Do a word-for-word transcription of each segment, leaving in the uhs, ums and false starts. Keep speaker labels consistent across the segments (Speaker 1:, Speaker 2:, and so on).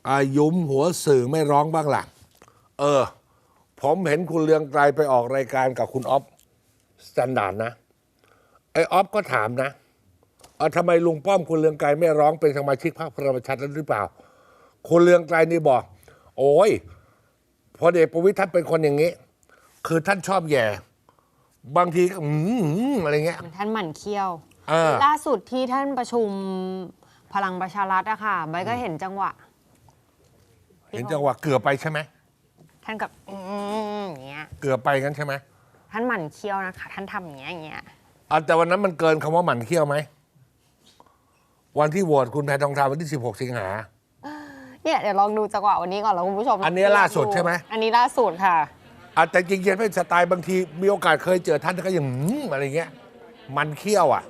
Speaker 1: อายุมหัวสื่อไม่ร้องบ้างล่ะเออผมเห็นคุณเลืองไกรไปออกรายการกับคุณอ๊อฟสแตนดาร์ดนะไอ้อ๊อฟก็ถามนะเออทำไมลุงป้อมคุณเลืองไกรไม่ร้องเป็นสมาชิกพรรคพลังประชารัฐหรือเปล่าคุณเลืองไกรนี่บอกโอ้ยพลเอกประวิตรท่านเป็นคนอย่างนี้คือท่านชอบแย่บางทีก็อืมอะไรเงี้ย
Speaker 2: ท่านหมั่นเคี้ยว
Speaker 1: อ
Speaker 2: ล่าสุดที่ท่านประชุมพลังประชารัฐอะค่ะใบก็เห็นจังหวะ
Speaker 1: เห็นจังหวะเกือบไปใช่ไหม
Speaker 2: ท่านกับอืมอย่างเงี้ย
Speaker 1: เกือบไปงั้นใช่ไหม
Speaker 2: ท่านหมั่นเคี้ยวนะคะท่านทำอย่างเงี้ยอย่างเงี้ย
Speaker 1: แต่วันนั้นมันเกินคำว่าหมั่นเคี้ยวไหมวันที่โหวตคุณแพทองทานวันที่สิบหกสิงหา
Speaker 2: เนี่ยเดี๋ยวลองดูจังหวะวันนี้ก่อนแล้วคุณผู้ชม
Speaker 1: อันนี้ล่าสุดใช่ไหม
Speaker 2: อันนี้ล่าสุดค่ะ
Speaker 1: แต่จริงๆเป็นสไตล์บางทีมีโอกาสเคยเจอท่านก็ยังอะไรเงี้ยมันเคี้ยวอ่ะ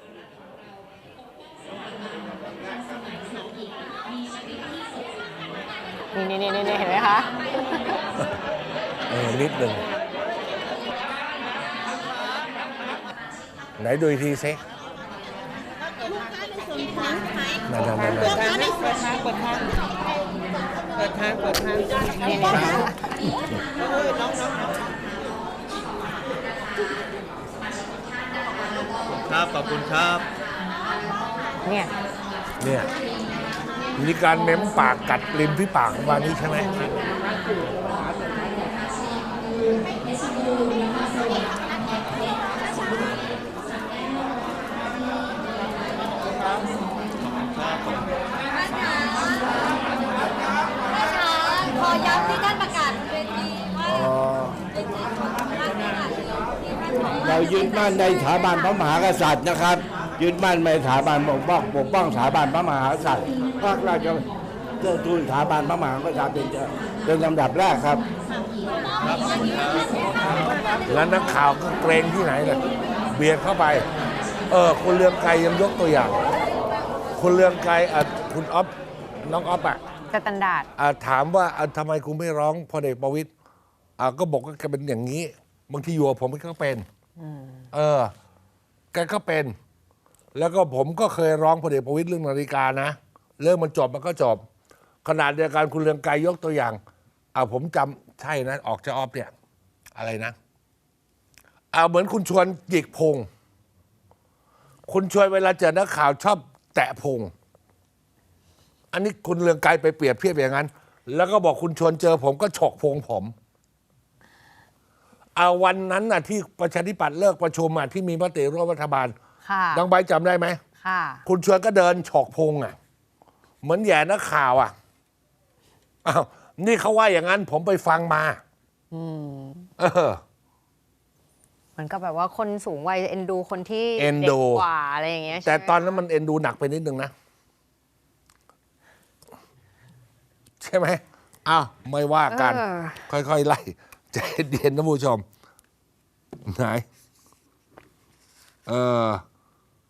Speaker 2: นี่นี่นี่นี่เห็นไหมคะ
Speaker 1: เออนิดหนึ่งไหนดูอีกทีซินั่นนั่นนั่นเปิดทางเปิดทางเปิดทางเปิดทางเปิดทางนี่นี่น้องน้อง
Speaker 3: ครับขอบคุณครับ
Speaker 2: เนี่ย
Speaker 1: เนี่ยมีการเม้มปากกัดริมที่ปากวันนี้ใช่ไหม
Speaker 4: ขอย้ำที่ท่านประกาศเวทีว่า
Speaker 5: เรายึดมั่นในสถาบันพระมหากษัตริย์นะครับยึดมั่นในสถาบันปกป้องปกป้องสถาบันพระมหากษัตริย์ภาคราชเทิดทูนสถาบันพระมหากษัตริย์เป็นเป็นลำดับแรกครับ
Speaker 1: แล้วนักข่าวก็เกรงที่ไหนเลยเบียดเข้าไปเออคุณเลืองไกรยังยกตัวอย่างคุณเลืองไกรอ่ะคุณอ๊อฟน้องอ๊อฟอ่ะ
Speaker 2: สแตนดาร์ด
Speaker 1: อ่ะถามว่าอ่ะทำไมคุณไม่ร้องพลเอกประวิตรอ่ะก็บอกว่าแกเป็นอย่างนี้บางทีอยู่กับผมก็เป็นเออแกก็เป็นแล้วก็ผมก็เคยร้องพลเอกประวิตรเรื่องนาฬิกานะเรื่องมันจบมันก็จบขนาดเดียวกันคุณเรืองไกรยกตัวอย่างเอาผมจำใช่นะออกจะออฟเนี่ยอะไรนะเอาเหมือนคุณชวนหยิกพงคุณชวนเวลาเจอนักข่าวชอบแตะพงอันนี้คุณเรืองไกรไปเปรียบเทียบอย่างนั้น แล้วก็บอกคุณชวนเจอผมก็ฉกพงผมเอาวันนั้นน่ะที่ประชาธิปัตย์เลิกประชุมอ่ะที่มีมติร่วมรัฐบาลดังใบจำได้ไหม
Speaker 2: ค่ะ
Speaker 1: คุณชวนก็เดินฉกพงอ่ะเหมือนแย่นักข่าวอ่ะอ้าวนี่เขาว่าอย่างนั้นผมไปฟังมา
Speaker 2: อืม
Speaker 1: เออ
Speaker 2: มันก็แบบว่าคนสูงวัยเอ็นดูคนที่
Speaker 1: เอ็นดู
Speaker 2: กว่าอะไรอย่างเงี้ย
Speaker 1: แต่ตอนนั้นมันเอ็นดูหนักไปนิดนึงนะใช่ไหมอ้าวไม่ว่ากันค่อยๆไล่ใจเย็นนะผู้ชมไหนเออ